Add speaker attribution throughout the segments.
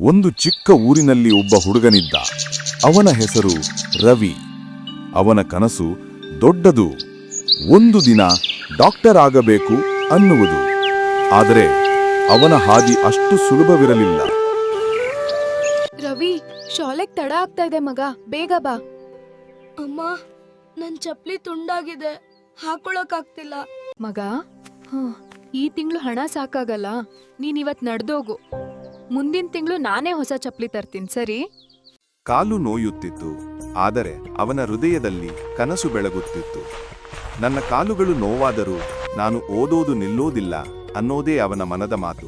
Speaker 1: ಒಂದು ಚಿಕ್ಕ ಊರಿನಲ್ಲಿ ಒಬ್ಬ ಹುಡುಗನಿದ್ದ. ಅವನ ಹೆಸರು ರವಿ. ಅವನ ಕನಸು ದೊಡ್ಡದು. ಒಂದು ದಿನ ಡಾಕ್ಟರ್ ಆಗಬೇಕು ಅನ್ನುವುದು. ಆದರೆ ಅವನ ಹಾದಿ ಅಷ್ಟು ಸುಲಭವಿರಲಿಲ್ಲ.
Speaker 2: ರವಿ, ಶಾಲೆಗ್ ತಡ ಆಗ್ತಾ ಇದೆ ಮಗ, ಬೇಗ ಬಾ.
Speaker 3: ಅಮ್ಮ, ನನ್ ಚಪ್ಲಿ ತುಂಡಾಗಿದೆ, ಹಾಕೊಳಕ್ಕಾಗ್ತಿಲ್ಲ.
Speaker 2: ಮಗ, ಈ ತಿಂಗಳು ಹಣ ಸಾಕಾಗಲ್ಲ. ನೀನ್ ಇವತ್ ನಡ್ದೋಗು. ಮುಂದಿನ ತಿಂಗಳು ನಾನೇ ಹೊಸ ಚಪ್ಲಿ ತರ್ತೀನಿ, ಸರಿ?
Speaker 1: ಕಾಲು ನೋಯುತ್ತಿತ್ತು, ಆದರೆ ಅವನ ಹೃದಯದಲ್ಲಿ ಕನಸು ಬೆಳಗುತ್ತಿತ್ತು. ನನ್ನ ಕಾಲುಗಳು ನೋವಾದರೂ ನಾನು ಓದೋದು ನಿಲ್ಲೋದಿಲ್ಲ ಅನ್ನೋದೇ ಅವನ ಮನದ ಮಾತು.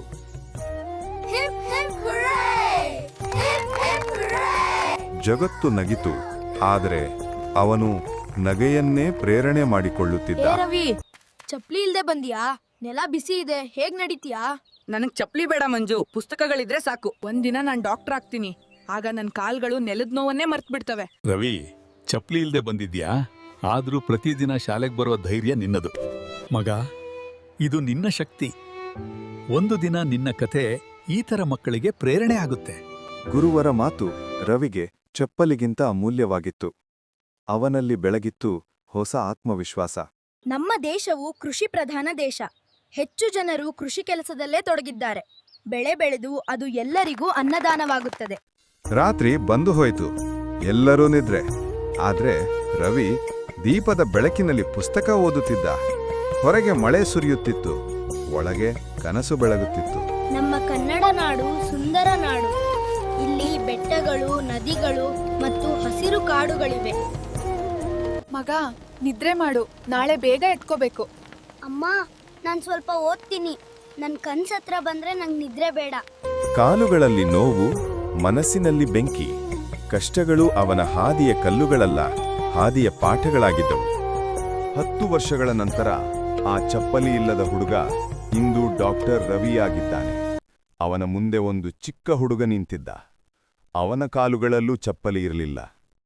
Speaker 1: ಜಗತ್ತು ನಗಿತು, ಆದರೆ ಅವನು ನಗೆಯನ್ನೇ ಪ್ರೇರಣೆ ಮಾಡಿಕೊಳ್ಳುತ್ತಿದ್ದ.
Speaker 3: ರವಿ, ಚಪ್ಲಿ ಇಲ್ದೆ ಬಂದಿಯಾ? ನೆಲ ಬಿಸಿ ಇದೆ, ಹೇಗ್ ನಡೀತೀಯಾ?
Speaker 4: ನನಗ್ ಚಪ್ಲಿ ಬೇಡ ಮಂಜು, ಪುಸ್ತಕಗಳಿದ್ರೆ ಸಾಕು. ಒಂದಿನ ನಾನ್ ಡಾಕ್ಟರ್ ಆಗ್ತೀನಿ, ಆಗ ನನ್ ಕಾಲ್ಗಳು ನೆಲದ ನೋವನ್ನೇ ಮರ್ತ್ ಬಿಡ್ತವೆ.
Speaker 5: ರವಿ, ಚಪ್ಲಿ ಇಲ್ದೆ ಬಂದಿದ್ಯಾ? ಆದ್ರೂ ಪ್ರತಿದಿನ ಶಾಲೆಗೆ ಬರುವ ಧೈರ್ಯ ನಿನ್ನದು. ಮಗ, ಇದು ನಿನ್ನ ಶಕ್ತಿ. ಒಂದು ದಿನ ನಿನ್ನ ಕತೆ ಈ ತರ ಮಕ್ಕಳಿಗೆ ಪ್ರೇರಣೆ ಆಗುತ್ತೆ.
Speaker 1: ಗುರುವರ ಮಾತು ರವಿಗೆ ಚಪ್ಪಲಿಗಿಂತ ಅಮೂಲ್ಯವಾಗಿತ್ತು. ಅವನಲ್ಲಿ ಬೆಳಗಿತ್ತು ಹೊಸ ಆತ್ಮವಿಶ್ವಾಸ.
Speaker 3: ನಮ್ಮ ದೇಶವು ಕೃಷಿ ಪ್ರಧಾನ ದೇಶ. ಹೆಚ್ಚು ಜನರು ಕೃಷಿ ಕೆಲಸದಲ್ಲೇ ತೊಡಗಿದ್ದಾರೆ. ಬೆಳೆ ಬೆಳೆದು ಅದು ಎಲ್ಲರಿಗೂ ಅನ್ನದಾನವಾಗುತ್ತದೆ.
Speaker 1: ರಾತ್ರಿ ಬಂದು ಹೋಯಿತು, ಎಲ್ಲರೂ ನಿದ್ರೆ. ಆದ್ರೆ ರವಿ ದೀಪದ ಬೆಳಕಿನಲ್ಲಿ ಪುಸ್ತಕ ಓದುತ್ತಿದ್ದ. ಹೊರಗೆ ಮಳೆ ಸುರಿಯುತ್ತಿತ್ತು, ಒಳಗೆ ಕನಸು ಬೆಳಗುತ್ತಿತ್ತು.
Speaker 3: ನಮ್ಮ ಕನ್ನಡ ನಾಡು ಸುಂದರ ನಾಡು. ಇಲ್ಲಿ ಬೆಟ್ಟಗಳು, ನದಿಗಳು ಮತ್ತು ಹಸಿರು ಕಾಡುಗಳಿವೆ.
Speaker 2: ಮಗ, ನಿದ್ರೆ ಮಾಡು, ನಾಳೆ ಬೇಗ ಎತ್ಕೋಬೇಕು.
Speaker 3: ಅಮ್ಮ, ನಾನು ಸ್ವಲ್ಪ ಓದ್ತೀನಿ. ನನ್ನ ಕನ್ಸತ್ರ ಬಂದ್ರೆ ನಂಗೆ ನಿದ್ರೆ ಬೇಡ.
Speaker 1: ಕಾಲುಗಳಲ್ಲಿ ನೋವು, ಮನಸ್ಸಿನಲ್ಲಿ ಬೆಂಕಿ. ಕಷ್ಟಗಳು ಅವನ ಹಾದಿಯ ಕಲ್ಲುಗಳಲ್ಲ, ಹಾದಿಯ ಪಾಠಗಳಾಗಿದ್ದವು. 10 ವರ್ಷಗಳ ನಂತರ ಆ ಚಪ್ಪಲಿ ಇಲ್ಲದ ಹುಡುಗ ಇಂದು ಡಾಕ್ಟರ್ ರವಿಯಾಗಿದ್ದಾನೆ. ಅವನ ಮುಂದೆ ಒಂದು ಚಿಕ್ಕ ಹುಡುಗ ನಿಂತಿದ್ದ. ಅವನ ಕಾಲುಗಳಲ್ಲೂ ಚಪ್ಪಲಿ ಇರಲಿಲ್ಲ.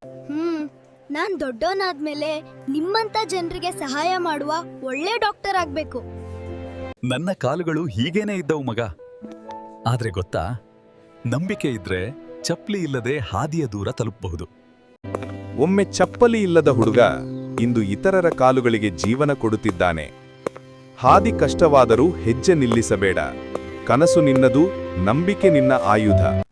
Speaker 3: ನಾನ್ ದೊಡ್ಡವನಾದ್ಮೇಲೆ ನಿಮ್ಮಂತ ಜನರಿಗೆ ಸಹಾಯ ಮಾಡುವ ಒಳ್ಳೆ ಡಾಕ್ಟರ್ ಆಗ್ಬೇಕು.
Speaker 5: ನನ್ನ ಕಾಲುಗಳು ಹೀಗೇನೇ ಇದ್ದವು ಮಗ. ಆದ್ರೆ ಗೊತ್ತಾ, ನಂಬಿಕೆ ಇದ್ರೆ ಚಪ್ಲಿ ಇಲ್ಲದೆ ಹಾದಿಯ ದೂರ ತಲುಪಬಹುದು.
Speaker 1: ಒಮ್ಮೆ ಚಪ್ಪಲಿ ಇಲ್ಲದ ಹುಡುಗ ಇಂದು ಇತರರ ಕಾಲುಗಳಿಗೆ ಜೀವನ ಕೊಡುತ್ತಿದ್ದಾನೆ. ಹಾದಿ ಕಷ್ಟವಾದರೂ ಹೆಜ್ಜೆ ನಿಲ್ಲಿಸಬೇಡ. ಕನಸು ನಿನ್ನದು, ನಂಬಿಕೆ ನಿನ್ನ ಆಯುಧ.